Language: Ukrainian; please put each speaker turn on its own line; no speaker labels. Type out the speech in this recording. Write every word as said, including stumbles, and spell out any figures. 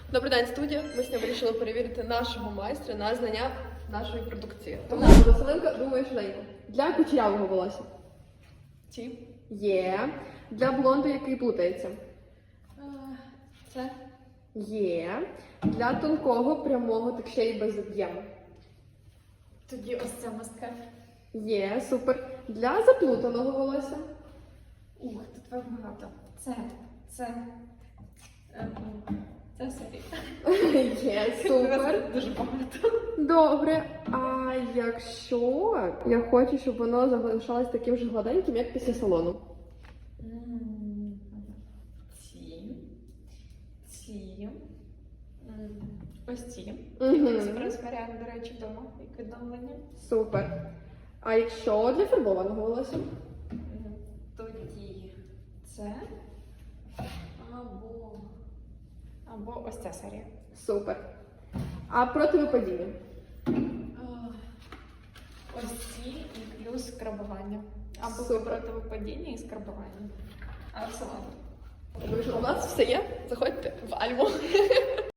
Добрий день, студія. Ми сьогодні вирішили перевірити нашого майстра на знання нашої продукції.
Тому Василенко, думаю, швиденько. Для кучерявого волосся.
Ті.
Є. Для блонду, який плутається.
Це.
Є. Для тонкого, прямого, так ще й без об'єму.
Тоді ось це мастка.
Є, супер. Для заплутаного волосся.
Ух, тут вам багато. Це. Це. Е, Це серія.
Є, супер.
Дуже багато.
Добре. А якщо я хочу, щоб воно залишалось таким же гладеньким, як після салону?
Ці. Ці. М, Ось ці.
Мгм.
Експрес-варіант, до речі, вдома, як відновлення.
Супер. А якщо для фарбованого волосся?
М, Тоді це. Або. Або ось ця серія.
Супер. А проти випадіння?
А, Ось ці і плюс скрабування. Або
Супер.
проти випадіння і скрабування. А в салон.
Тому що
У нас все є. Заходьте в Альму.